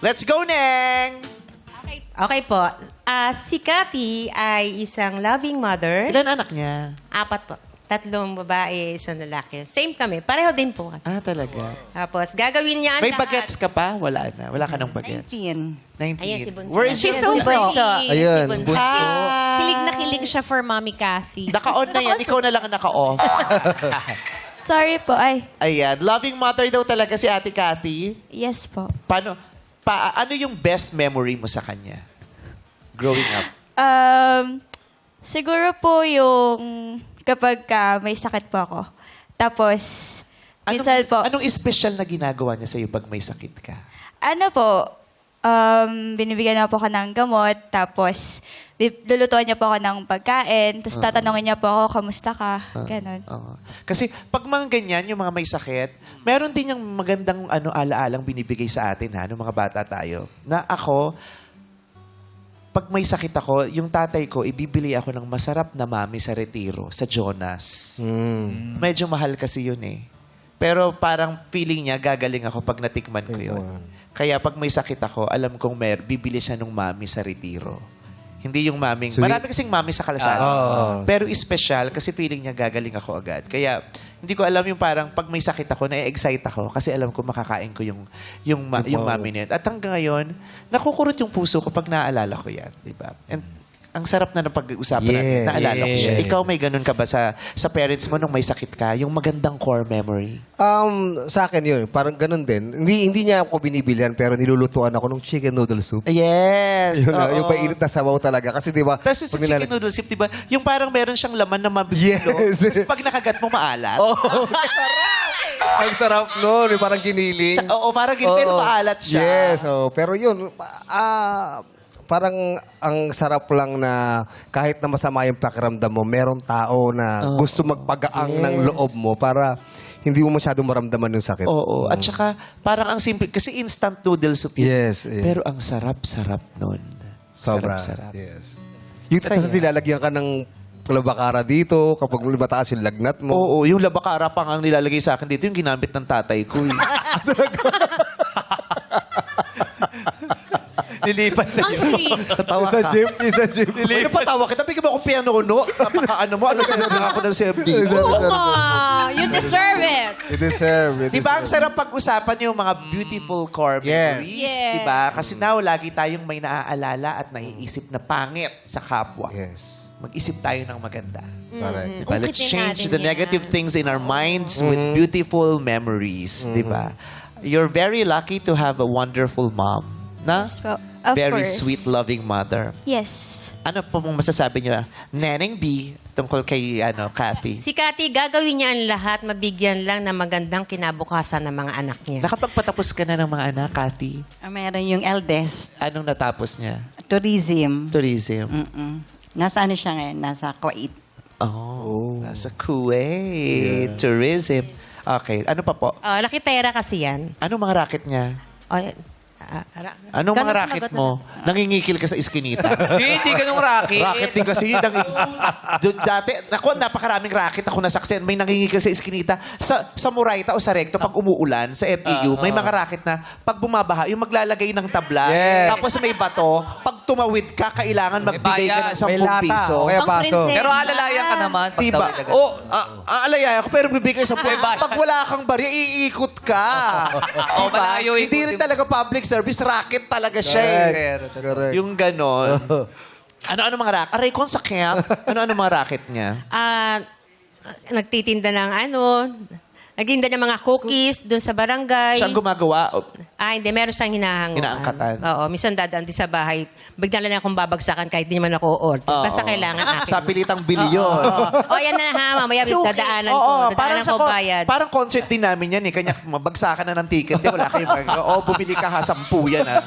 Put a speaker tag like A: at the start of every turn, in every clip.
A: Let's go, Neng!
B: Okay po. Si Cathy ay isang loving mother.
A: Ilan anak niya?
B: 4 po. 3 babae, 1 lalaki. Same kami. Pareho din po.
A: Ah, talaga.
B: Tapos, gagawin niya ang
A: May
B: lahat.
A: bagets ka pa? Wala na. Wala ka ng bagets.
C: 19.
A: 19.
B: Ayan, si Bunso.
A: Where is
B: She's
A: your
B: so bunso.
D: Ayun,
B: Si Bunso.
A: Ah!
E: Kilig na kilig siya for Mommy Cathy.
A: Naka-on na yan. Ikaw na lang ang naka-off.
F: Sorry po. Ay,
A: Ayan. Loving mother daw talaga si Ate Cathy.
F: yes po.
A: Ano yung best memory mo sa kanya? Growing up.
F: Siguro po yung kapag may sakit po ako. Tapos, minsan po,
A: Anong special na ginagawa niya sa'yo pag may sakit ka?
F: ano po, binibigyan na po ako ng gamot, tapos lulutuan niya po ako ng pagkain, tapos tatanungin niya po ako, kamusta ka? Ganon.
A: Oo. Kasi pag mga ganyan, yung mga may sakit, meron din yung magandang ala-alang binibigay sa atin, nung mga bata tayo. Na ako, pag may sakit ako, yung tatay ko, ibibili ako ng masarap na mami sa Retiro, sa Jonas. Medyo mahal kasi yun eh. Pero parang feeling niya, gagaling ako pag natikman ko yun. Kaya pag may sakit ako, alam kong bibili siya ng mami sa Retiro. Hindi yung maming...
D: Sweet.
A: Marami kasing mami sa kalsada. Pero special kasi feeling niya gagaling ako agad. Kaya hindi ko alam yung parang pag may sakit ako, na-excite ako kasi alam ko makakain ko yung mami na yun. At hanggang ngayon, nakukurot yung puso ko pag naaalala ko yan. Diba? And ang sarap na ng pag-uusapan natin. Naalala ko siya. Ikaw may ganun ka ba sa parents mo nung may sakit ka? Yung magandang core memory?
D: Sa akin yun, parang ganun din. Hindi niya ako binibilihan, pero nilulutuan ako ng chicken noodle soup.
A: Yes!
D: Yun,
A: oo.
D: yung painit na sabaw talaga. Kasi di ba,
A: Tapos sa
D: pag
A: chicken noodle soup, diba? Yung parang meron siyang laman na mabibulo.
D: Yes.
A: Tapos pag nakagat mo, maalat.
D: ang sarap nun, yung parang giniling.
A: Oo, parang ganun, pero maalat siya.
D: Yes, pero yun, parang ang sarap lang na kahit na masama yung pakiramdam mo, merong tao na gusto magpagaang ng loob mo para hindi mo masyadong maramdaman yung sakit.
A: Oo. At saka, parang ang simple, kasi instant noodle soup yun.
D: Yes, yes.
A: Pero ang sarap-sarap nun.
D: Sobra.
A: Sarap-sarap.
D: Yes. Yung
A: Saya.
D: tapos nilalagyan ka ng labakara dito kapag mataas yung lagnat mo.
A: Oo, yung labakara pa nga ang nilalagay sa akin dito, yung ginamit ng tatay ko. Lilipat sa
E: Ang sweet.
A: Tawa
D: Sa
A: ka.
D: gym, sa gym.
A: Ano patawa kita? Bigyan mo akong piano-no. Napaka-ano mo? Ano sinabi ako ng CFD?
E: You deserve it.
D: You deserve it.
A: Di ba ang sarap pag-usapan yung mga beautiful core
D: Yes.
A: memories?
E: Yes.
A: Di ba? Kasi now, lagi tayong may naaalala at naiisip na pangit sa kapwa.
D: Yes.
A: Mag-isip tayo ng maganda.
D: Correct.
A: Diba? Let's
E: Ungkitin
A: change
E: natin
A: the
E: yan.
A: negative things in our minds with beautiful memories. Di ba? You're very lucky to have a wonderful mom. Na?
F: Yes po. Of
A: Very
F: course.
A: sweet, loving mother.
F: Yes.
A: Ano po mong masasabi niyo, Neneng B, tungkol kay Cathy?
B: Si Cathy, gagawin niya ang lahat, mabigyan lang ng magandang kinabukasan ng mga anak niya.
A: Nakapagpatapos ka na ng mga anak, Cathy?
C: Meron yung eldest,
A: Anong natapos niya?
C: tourism.
A: Tourism.
C: Nasa ano siya ngayon? Nasa Kuwait.
A: Oh, nasa Kuwait. Tourism. Okay. Ano pa po?
B: Lakitera kasi yan.
A: Anong mga racket niya? Anong
B: Ganun
A: mga racket
B: sumagot
A: mo? Nangingikil ka sa iskinita.
G: Hindi ganung racket.
A: Racket din kasi yun. Dati, napakaraming racket ako nasaksen. May nangingikil sa iskinita. Sa Murayta o sa Recto, pag umuulan, sa FPU, may mga racket na pag bumabaha, yung maglalagay ng tabla,
D: Yes.
A: tapos may bato, pag tumawid ka, kailangan magbigay ka ng 10
D: May lata.
A: piso.
D: O kaya
E: Pang
D: baso.
E: prinsesa.
G: Pero alalayan ka naman. Pag
A: Diba?
G: tawid agad.
A: Aalaya ako, pero bibigay sa
G: May bayad.
A: pag wala kang barya, iikot ka.
G: Oh,
A: Diba?
G: malayo
A: Hindi rin
G: ikutin mo.
A: talaga public service, racket talaga siya eh.
D: Correct.
A: Yung ganon. Ano mga racket? Aray, kung sa camp, ano mga racket niya?
B: Nagtitinda ng nagtinda ng mga cookies doon sa barangay.
A: Siya ang gumagawa.
B: Hindi. Meron siyang hinahanguan.
A: Inaangkatan.
B: Oo. Minsan dadaan din sa bahay. Bigla lang akong babagsakan kahit di naman ako order. Basta kailangan akin.
A: Sa pilitang bili yun.
B: Oo. Yan na ha. Mamaya
E: Suki.
B: dadaanan ko.
A: Oo,
B: Dadaanan ko bayad.
A: parang concert din namin yan eh. Kanya mabagsakan na ng ticket. Di, wala kayo bumili ka ha, 10 yan ha.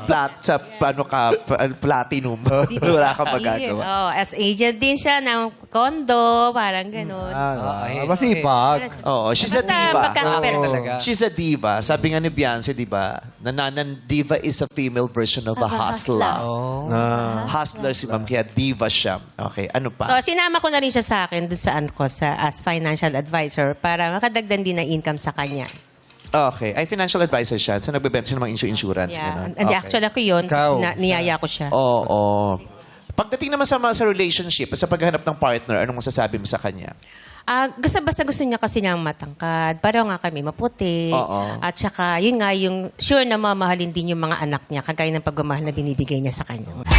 A: Platinum. Wala kang magagawa.
B: Oo. As agent din siya ng condo. Parang ganun.
D: Masipag.
A: Oo, she's a
B: Basta
A: diva.
B: magkakapera.
G: Talaga.
A: She's a diva. Sabi nga ni Beyonce, di ba? Nanan diva is a female version of a hustler. Hustler si ma'am, kaya diva siya. Okay, ano pa?
B: So, sinama ko na rin siya sa akin doon saan ko as financial advisor para makadagdan din ng income sa kanya.
A: Okay. Ay, financial advisor siya. So, nagbebenta siya ng mga insurance.
B: Yeah.
A: Ganun.
B: And
A: Okay.
B: actually ako yun,
D: Ikaw.
B: niyaya ko siya.
A: Oo. Pagdating naman sa relationship, sa paghahanap ng partner, anong masasabi mo sa kanya?
B: Basta gusto niya kasi niyang matangkad. Pareho nga kami maputi.
A: Oo.
B: At saka, yun nga, yung sure na mamahalin din yung mga anak niya, kagaya ng pagmamahal na binibigay niya sa kanya.